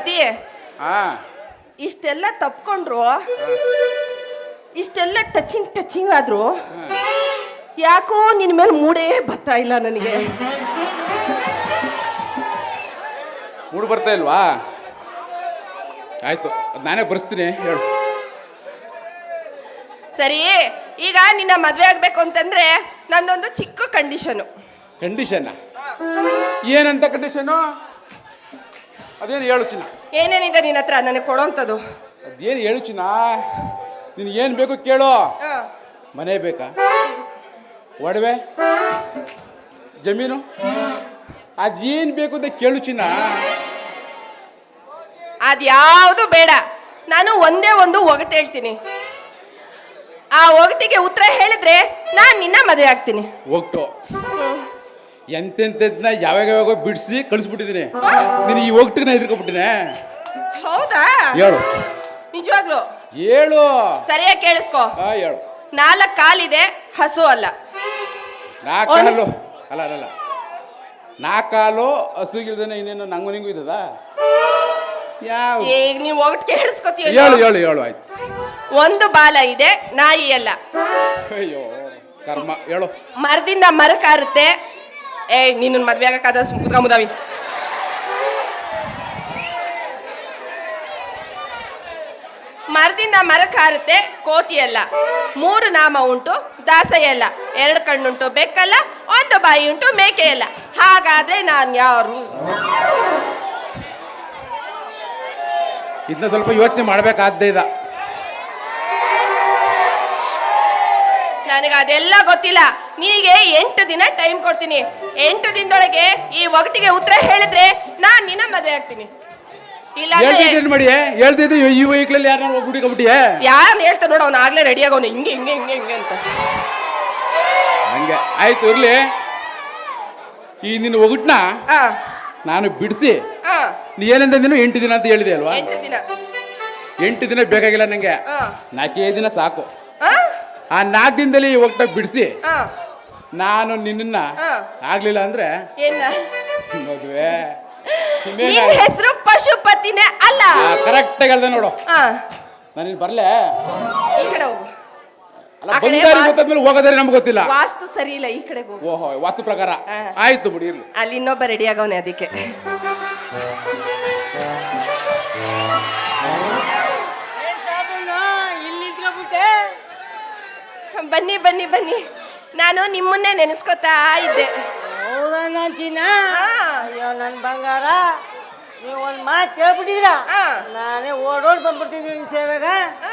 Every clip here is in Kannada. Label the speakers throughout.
Speaker 1: ಪತಿ
Speaker 2: ಹಾ
Speaker 1: ಇಷ್ಟೆಲ್ಲ ತಪ್ಕೊಂಡ್ರು, ಇಷ್ಟೆಲ್ಲ ಟಚಿಂಗ್ ಆದ್ರು ಯಾಕೋ ನಿನ್ ಮೇಲೆ ಮೂಡೇ ಬರ್ತಾ ಇಲ್ಲ ನನಗೆ.
Speaker 2: ಮೂಡು ಬರ್ತಾ ಇಲ್ವಾ? ಆಯ್ತು, ನಾನೇ ಬರ್ಸ್ತೀನಿ, ಹೇಳು.
Speaker 1: ಸರಿ, ಈಗ ನಿನ್ನ ಮದ್ವೆ ಆಗ್ಬೇಕು ಅಂತಂದ್ರೆ ನಂದೊಂದು ಚಿಕ್ಕ ಕಂಡೀಷನು.
Speaker 2: ಕಂಡೀಷನ್ ಏನಂತ ಕಂಡೀಷನು? ಅದೇನು ಹೇಳು ಚಿನ್ನ.
Speaker 1: ಏನೇನಿದೆ ನಿನ್ನ ಹತ್ರ ನನಗೆ ಕೊಡೋಂಥದ್ದು?
Speaker 2: ಅದೇನು ಹೇಳು ಚಿನ್ನ, ನಿನಗೆ ಏನು ಬೇಕು ಕೇಳು. ಮನೆ ಬೇಕಾ, ಒಡವೆ, ಜಮೀನು, ಅದೇನು ಬೇಕು ಅಂತ ಕೇಳು ಚಿನ್ನ.
Speaker 1: ಅದ್ಯಾವುದು ಬೇಡ, ನಾನು ಒಂದೇ ಒಂದು ಒಗಟು ಹೇಳ್ತೀನಿ. ಆ ಒಗಟಿಗೆ ಉತ್ತರ ಹೇಳಿದ್ರೆ ನಾನು ನಿನ್ನ ಮದುವೆ ಆಗ್ತೀನಿ.
Speaker 2: ಒಗಟು ಎಂತೆಂಥದ್ನ ಯಾವಾಗ ಬಿಡಿಸಿ ಕಳಿಸ್ಬಿಟ್ಟಿದ್ದೀನಿ. ನೀನು ಈ ಒಗಟಿಗೆ ನಾ ಹೆದರ್ಕೊಬಿಟ್ಟಿನೇ.
Speaker 1: ಹೌದಾ?
Speaker 2: ಹೇಳು.
Speaker 1: ನಿಜವಾಗ್ಲು
Speaker 2: ಹೇಳು.
Speaker 1: ಸರಿಯಾಗಿ ಕೇಳಿಸ್ಕೊ.
Speaker 2: ಹೇಳು.
Speaker 1: 4 ಕಾಲಿದೆ, ಹಸು ಅಲ್ಲ.
Speaker 2: 4 ಕಾಲು ಅಲ್ಲ ಅಲ್ಲ 4 ಕಾಲು ಹಸುಗಿಲ್ದೇನೆ ಇನ್ನೇನು ನಂಗು ನಿಂಗೂ ಇದ್ದದ? ಯಾವ?
Speaker 1: ಈಗ ನೀವು ಒಗಟು ಕೇಳಿಸ್ಕೊತೀಯ?
Speaker 2: ಹೇಳು ಹೇಳು ಹೇಳು. ಆಯ್ತು.
Speaker 1: 1 ಬಾಲ ಇದೆ, ನಾಯಿ ಅಲ್ಲ.
Speaker 2: ಅಯ್ಯೋ ಕರ್ಮ, ಹೇಳು.
Speaker 1: ಮರದಿಂದ ಮರಕ್ಕಾರುತ್ತೆ. ನೀನು ಮದ್ವೆ ಆಗಕ್ಕಾದ ಕುತ್ಕೊಂಬುದಾವಿ. ಮರದಿಂದ ಮರಕ್ಕಾರುತ್ತೆ, ಕೋತಿ ಅಲ್ಲ. 3 ನಾಮ ಉಂಟು, ದಾಸಯ್ಯ ಅಲ್ಲ. 2 ಕಣ್ಣುಂಟು, ಬೆಕ್ಕಲ್ಲ. 1 ಬಾಯಿ ಉಂಟು, ಮೇಕೆ ಅಲ್ಲ. ಹಾಗಾದ್ರೆ ನಾನು ಯಾರು?
Speaker 2: ಇದನ್ನ ಸ್ವಲ್ಪ ಯೋಚನೆ ಮಾಡ್ಬೇಕಾದ್ದೇ ಇದ.
Speaker 1: ನನಗೆ ಅದೆಲ್ಲ ಗೊತ್ತಿಲ್ಲ. ನಿನಗೆ 8 ದಿನ ಟೈಮ್ ಕೊಡ್ತೀನಿ. 8 ದಿನದೊಳಗೆ ಈ ಒಗಟಿಗೆ ಉತ್ತರ ಹೇಳಿದ್ರೆ ನಾನು ನಿನ್ನ ಮದುವೆ ಆಗ್ತೀನಿ. ಇಲ್ಲ
Speaker 2: ಮಾಡಿ ಹೇಳ್ತಿದ್ರೆ ಈ ವೈಕ್ಲಲ್ಲಿ ಯಾರು ಹೋಗ್ಬಿಟ್ಟಿಗೆ
Speaker 1: ಯಾರು ಹೇಳ್ತಾ ನೋಡು, ಅವ್ನು ಆಗ್ಲೇ ರೆಡಿ ಆಗೋನು ಹಿಂಗೆ ಹಿಂಗೆ ಹಿಂಗೆ ಹಿಂಗೆ ಅಂತ.
Speaker 2: ಹಂಗೆ ಆಯ್ತು, ಇರ್ಲಿ. ಈ ನಿನ್ನ ಒಗಟ್ನ ನಾನು ಬಿಡಿಸಿ ನೀ ಏನಂತ ನೀನು 8 ದಿನ ಅಂತ ಹೇಳಿದೆ ಅಲ್ವಾ?
Speaker 1: 8 ದಿನ.
Speaker 2: 8 ದಿನ ಬೇಕಾಗಿಲ್ಲ ನಂಗೆ, 4 ದಿನ ಸಾಕು. ಆ 4 ದಿನದಲ್ಲಿ ಒಗಟ ಬಿಡಿಸಿ ನಾನು ನಿನ್ನ ಆಗ್ಲಿಲ್ಲ ಅಂದ್ರೆ ಮದುವೆ.
Speaker 1: ನಿನ್ನ ಹೆಸರು ಪಶುಪತಿನೇ ಅಲ್ಲ?
Speaker 2: ಕರೆಕ್ಟ್ ಆಗಿ ಹೇಳ್ದೆ ನೋಡು. ನಾನು ಬರ್ಲೆ
Speaker 1: ಈ ಕಡೆ ಹೋಗು.
Speaker 2: ಗೊತ್ತಾದ್ಮೇಲೆ ಹೋಗೋದ್ರೆ ನಮ್ಗೆ ಗೊತ್ತಿಲ್ಲ.
Speaker 1: ವಾಸ್ತು ಸರಿ ಇಲ್ಲ, ಈ ಕಡೆ ಹೋಗು.
Speaker 2: ಓಹೋ, ವಾಸ್ತು ಪ್ರಕಾರ ಆಯ್ತು ಬಿಡಿ, ಇರ್ಲಿ.
Speaker 1: ಅಲ್ಲಿ ಇನ್ನೊಬ್ಬ ರೆಡಿ ಆಗವನೆ, ಅದಕ್ಕೆ. ಬನ್ನಿ ಬನ್ನಿ ಬನ್ನಿ, ನಾನು ನಿಮ್ಮನ್ನೇ ನೆನೆಸ್ಕೊತಾ ಇದ್ದೆ.
Speaker 3: ಅಯ್ಯೋ ನನ್ನ ಬಂಗಾರ, ನೀವು ಒಂದು ಮಾತು ಕೇಳ್ಬಿಟ್ಟಿದ್ರ, ನಾನೇ ಓಡೋಡ್ ಬಂದ್ಬಿಡ್ತಿದ್ವಿ ನಿನ್ ಸೇವೆಗ.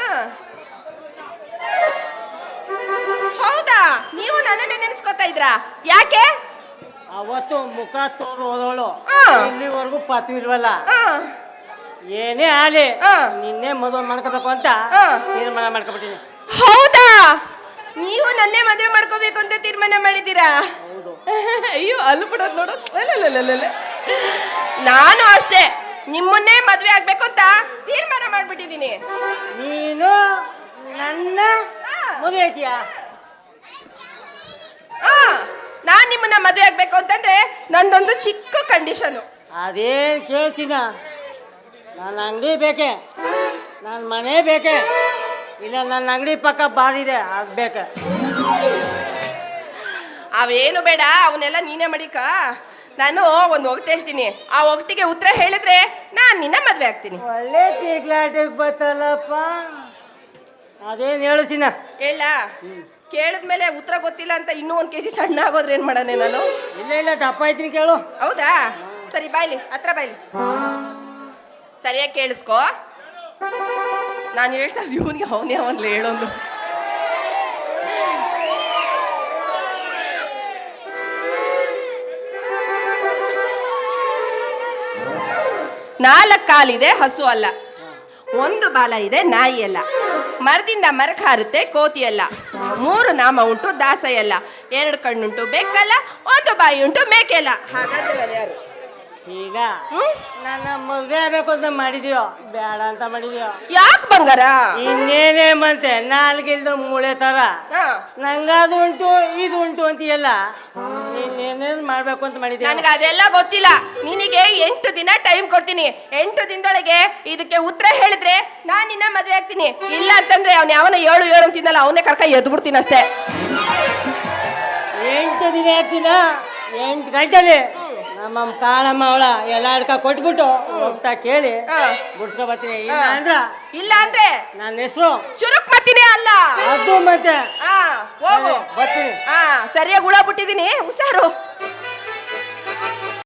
Speaker 1: ಹೌದಾ? ನೀವು ನನ್ನನ್ನೇ ನೆನೆಸ್ಕೊತಾ ಇದ್ರಾ? ಯಾಕೆ?
Speaker 3: ಅವತ್ತು ಮುಖ ತೋರು ಹೋದವಳು ಇಲ್ಲಿವರೆಗೂ ಪತ್ತು ಇಲ್ವಲ್ಲ. ಏನೇ ಆಲಿ ನಿನ್ನೆ ಮದುವೆ ಮಾಡ್ಕೋಬೇಕು ಅಂತ ತೀರ್ಮಾನ ಮಾಡ್ಕೊಬಿಟ್ಟಿನಿ.
Speaker 1: ಹೌದಾ? ನೀವು ನನ್ನೇ ಮದುವೆ ಮಾಡ್ಕೋಬೇಕು ಅಂತ ತೀರ್ಮಾನ ಮಾಡಿದ್ದೀರಾ? ಅಯ್ಯೋ, ಅಲ್ಲಿ ಬಿಡೋದು ನೋಡು. ನಾನು ಅಷ್ಟೇ, ನಿಮ್ಮನ್ನೇ ಮದುವೆ ಆಗ್ಬೇಕು ಅಂತ ತೀರ್ಮಾನ ಮಾಡ್ಬಿಟ್ಟಿದ್ದೀನಿ.
Speaker 3: ನೀನು ನನ್ನ ಮದುವೆ ಐತಿಯಾ?
Speaker 1: ನಾನ್ ನಿಮ್ಮನ್ನ ಮದುವೆ ಆಗ್ಬೇಕು ಅಂತಂದ್ರೆ ನಂದೊಂದು ಚಿಕ್ಕ ಕಂಡೀಷನು.
Speaker 3: ಅದೇನು ಕೇಳ್ತೀನ? ನನ್ನ ಅಂಗಡಿ ಬೇಕೆ, ನನ್ನ ಮನೆ ಬೇಕೆ, ಇಲ್ಲ ನನ್ನ ಅಂಗಡಿ ಪಕ್ಕ ಬಾರಿದೆ ಅದು ಬೇಕೆ.
Speaker 1: ಅವೇನು ಬೇಡ, ಅವನ್ನೆಲ್ಲ ನೀನೇ ಮಾಡಿಕ. ನಾನು ಒಂದು ಒಗಟು ಹೇಳ್ತೀನಿ, ಆ ಒಗಟಿಗೆ ಉತ್ತರ ಹೇಳಿದ್ರೆ ನಾನು ನಿನ್ನ ಮದುವೆ ಆಗ್ತೀನಿ.
Speaker 3: ಒಳ್ಳೆ ತೀಕ್ಲಾಟಿಗೆ ಬತ್ತಲ್ಲಪ್ಪ. ಅದೇನು ಹೇಳು ಚಿನ್ನ?
Speaker 1: ಹೇಳ. ಕೇಳಿದ್ಮೇಲೆ ಉತ್ತರ ಗೊತ್ತಿಲ್ಲ ಅಂತ ಇನ್ನೂ 1 kg ಸಣ್ಣ ಆಗೋದ್ರೆ ಏನು ಮಾಡಾನೆ ನಾನು?
Speaker 3: ಇಲ್ಲ ಇಲ್ಲ, ದಪ್ಪ ಐತೀನಿ, ಕೇಳು.
Speaker 1: ಹೌದಾ? ಸರಿ, ಬಾಯ್ಲಿ, ಹತ್ರ ಬಾಯ್ಲಿ. ಸರಿಯಾಗಿ ಕೇಳಿಸ್ಕೊ. ನಾನು ಹೇಳ್ತಾ ಇವನಿಗೆ ಅವನೇ ಅವನ್ಲಿ ಹೇಳೋನು. ನಾಲ್ಕು ಕಾಲಿದೆ, ಹಸು ಅಲ್ಲ. 1 ಬಾಲ ಇದೆ, ನಾಯಿ ಅಲ್ಲ. ಮರದಿಂದ ಮರಕ್ಕೆ ಹಾರುತ್ತೆ, ಕೋತಿ ಅಲ್ಲ. 3 ನಾಮ ಉಂಟು, ದಾಸಯ್ಯ ಅಲ್ಲ. 2 ಕಣ್ಣುಂಟು, ಬೆಕ್ಕಲ್ಲ. 1 ಬಾಯಿ ಉಂಟು, ಮೇಕೆ ಅಲ್ಲ. ಹಾಗಾದ್ರೆ ನಾನು ಯಾರು?
Speaker 3: ಈಗ
Speaker 1: ಹ್ಮ್
Speaker 3: ನನ್ನ ಮದುವೆ ಆಗ್ಬೇಕು ಅಂತ ಮಾಡಿದ್ಯೋ ಬೇಡ ಅಂತ ಮಾಡಿದ್ಯೋ
Speaker 1: ಯಾಕೆ ಬಂಗಾರ
Speaker 3: ಇನ್ನೇನೇ ಮಂತೆ ನಾಲ್ಗಿಲ್ದ ಮೂಳೆ ತರ
Speaker 1: ಹಾ
Speaker 3: ನಂಗದು ಉಂಟು ಇದು ಉಂಟು ಅಂತೀಯಲ್ಲ ಇನ್ನೇನೇನು ಮಾಡ್ಬೇಕು ಅಂತ ಮಾಡಿದ್ಯಾ
Speaker 1: ನನಗೆ ಅದೆಲ್ಲ ಗೊತ್ತಿಲ್ಲ. ನಿನಗೆ 8 ದಿನ ಟೈಮ್ ಕೊಡ್ತೀನಿ. 8 ದಿನದೊಳಗೆ ಇದಕ್ಕೆ ಉತ್ತರ ಹೇಳಿದ್ರೆ ನಾನು ನಿನ್ನ ಮದುವೆ ಆಗ್ತೀನಿ. ಇಲ್ಲ ಅಂತಂದ್ರೆ ಅವ್ನು ಯಾವನ 7 ಅಂತಿದ್ದಲ್ಲ ಅವನೇ ಕರ್ಕ ಎದ್ದು ಬಿಡ್ತೀನಿ ಅಷ್ಟೇ.
Speaker 3: 8 ದಿನ ಆಗ್ತೀನ 8 ಗಂಟೆಲಿ ನಮ್ಮ ಕಾಳಮ್ಮ ಅವಳ ಎಲ್ಲ ಅಡ್ಕ ಕೊಟ್ಬಿಟ್ಟು ಹೋಗ್ತಾ ಕೇಳಿ ಬಿಡ್ಸ್ಕೊ ಬರ್ತೀನಿ.
Speaker 1: ಇಲ್ಲ ಅಂದ್ರೆ
Speaker 3: ನನ್ನ ಹೆಸರು
Speaker 1: ಚುರುಕ್ ಮತ್ತಿನೇ ಅಲ್ಲ
Speaker 3: ಅದು ಮತ್ತೆ
Speaker 1: ಹೋಗು
Speaker 3: ಬರ್ತೀನಿ.
Speaker 1: ಸರಿಯಾಗಿ ಹುಳ ಬಿಟ್ಟಿದೀನಿ ಹುಷಾರು.